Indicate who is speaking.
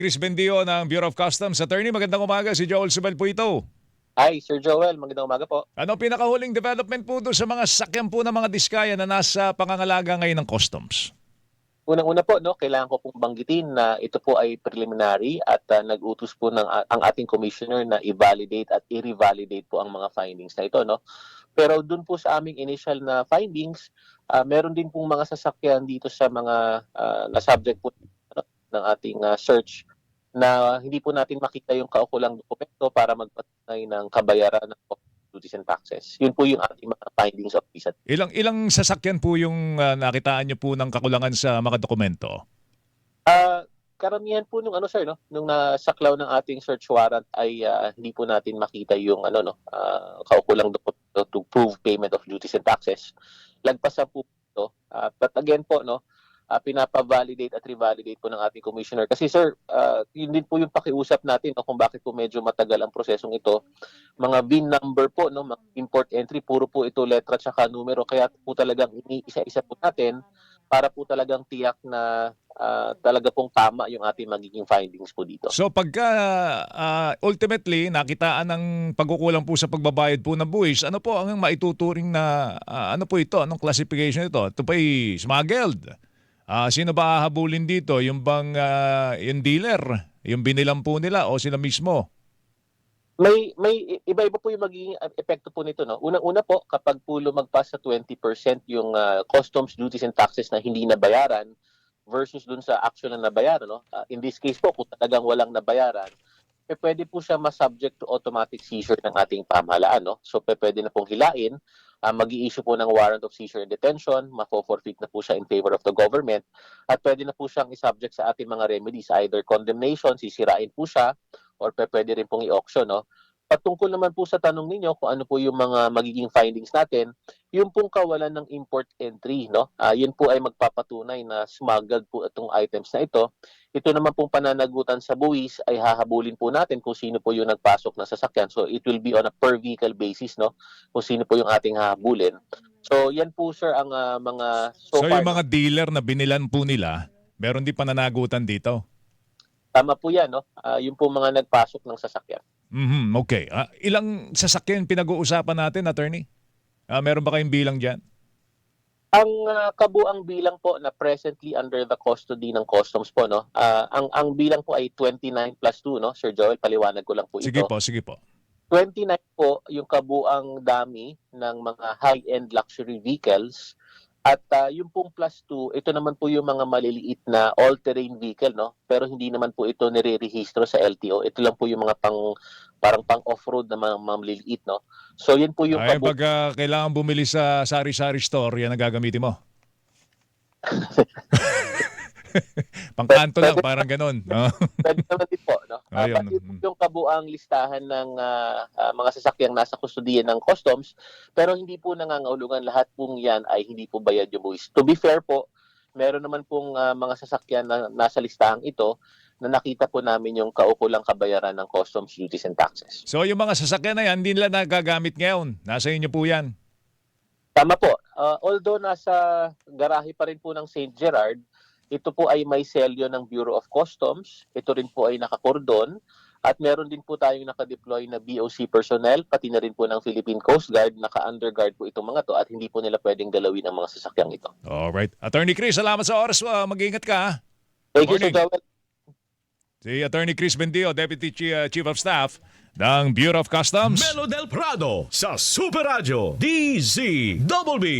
Speaker 1: Chris Bendio ng Bureau of Customs. Attorney, magandang umaga. Si Joel Subel po ito.
Speaker 2: Hi, Sir Joel. Magandang umaga po.
Speaker 1: Ano pinakahuling development po doon sa mga sasakyan po ng mga diskaya na nasa pangangalaga ngayon ng customs?
Speaker 2: Unang-una po, no, kailangan ko pong banggitin na ito po ay preliminary at nag-utos po ang ating commissioner na i-validate at i-revalidate po ang mga findings na ito. No? Pero doon po sa aming initial na findings, meron din pong mga sasakyan dito sa mga na-subject po ng ating search na hindi po natin makita yung kaukulang dokumento para magpatunay ng kabayaran ng duties and taxes. Yun po yung ating mga findings of this.
Speaker 1: Ilang sasakyan po yung nakitaan nyo po ng kakulangan sa mga dokumento?
Speaker 2: Karamihan po nung sir, no, nung nasaklaw ng ating search warrant ay hindi po natin makita yung kaukulang dokumento to prove payment of duties and taxes. Lagpasan po ito. But again po, no, pinapa-validate at revalidate po ng ating commissioner. Kasi sir, yun din po yung pakiusap natin, no, kung bakit po medyo matagal ang prosesong ito. Mga VIN number po, no, mga import entry, puro po ito letra at saka numero. Kaya po talagang iniisa-isa po natin para po talagang tiyak na talaga pong tama yung ating magiging findings po dito.
Speaker 1: So pagka ultimately nakitaan ng pagkukulang po sa pagbabayad po ng buwis, ano po ang maituturing na ano po ito? Anong classification ito? Ito pa ay smuggled. Sino ba hahabulin dito? Yung bang yung dealer? Yung binilang po nila o sila mismo?
Speaker 2: May iba-iba po yung magiging epekto po nito, no. Unang-una po, kapag po lumagpas sa 20% yung customs duties and taxes na hindi nabayaran versus dun sa actual na nabayaran, no. In this case po, kung talagang walang nabayaran, pwede po siya ma-subject to automatic seizure ng ating pamahalaan, no. So pwede na pong hilain, mag-i-issue po ng warrant of seizure and detention, mafo-forfeit na po siya in favor of the government, at pwede na po siyang i-subject sa ating mga remedies, either condemnation, sisirain po siya, or pwede rin pong i-auction, no? Patungkol naman po sa tanong ninyo kung ano po yung mga magiging findings natin, yung pong kawalan ng import entry, no? Yun po ay magpapatunay na smuggled po itong items na ito. Ito naman pong pananagutan sa buwis ay hahabulin po natin kung sino po yung nagpasok na sasakyan. So it will be on a per vehicle basis, no? Kung sino po yung ating hahabulin. So yan po sir ang mga
Speaker 1: So
Speaker 2: far,
Speaker 1: yung mga dealer na binilan po nila, meron din pananagutan dito?
Speaker 2: tama po yan, no? Yung po mga nagpasok ng sasakyan.
Speaker 1: Okay. Ilang sasakyan pinag-uusapan natin, attorney? Meron ba kayong bilang dyan?
Speaker 2: Ang kabuang bilang po na presently under the custody ng customs po, no. Ang bilang po ay 29 plus 2, no. Sir Joel, paliwanag ko lang po
Speaker 1: Sige
Speaker 2: ito.
Speaker 1: po, sige po.
Speaker 2: 29 po yung kabuang dami ng mga high-end luxury vehicles. At yung pong plus 2, ito naman po yung mga maliliit na all-terrain vehicle, no? Pero hindi naman po ito nire-rehistro sa LTO. Ito lang po yung mga parang pang-off-road na mga maliliit, no? So yan po yung
Speaker 1: Pag kailangan bumili sa sari-sari store, yan ang gagamitin mo? Pangkanto lang, parang ganun. No?
Speaker 2: Pwede naman din po, no?
Speaker 1: Ayun.
Speaker 2: But yung kabuang listahan ng mga sasakyang nasa kustudiyan ng customs, pero hindi po nangangahulugan lahat pong yan ay hindi po bayad yung buwis. To be fair po, meron naman pong mga sasakyan na nasa listahang ito na nakita po namin yung kaukulang kabayaran ng customs duties and taxes.
Speaker 1: So yung mga sasakyan na yan, hindi nila nagagamit ngayon. Nasa inyo po yan.
Speaker 2: Tama po. Although nasa garahe pa rin po ng St. Gerard, ito po ay may selyo ng Bureau of Customs. Ito rin po ay nakakordon. At meron din po tayong nakadeploy na BOC personnel, pati na rin po ng Philippine Coast Guard. Naka-underguard po itong mga to at hindi po nila pwedeng galawin ang mga sasakyang ito.
Speaker 1: Alright. Attorney Chris, salamat sa oras. Mag-iingat ka. Ha?
Speaker 2: Thank you, Sir
Speaker 1: Morning.
Speaker 2: Joel.
Speaker 1: Si Attorney Chris Bendio, Deputy Chief of Staff ng Bureau of Customs.
Speaker 3: Melo del Prado sa Super Radio DZBB.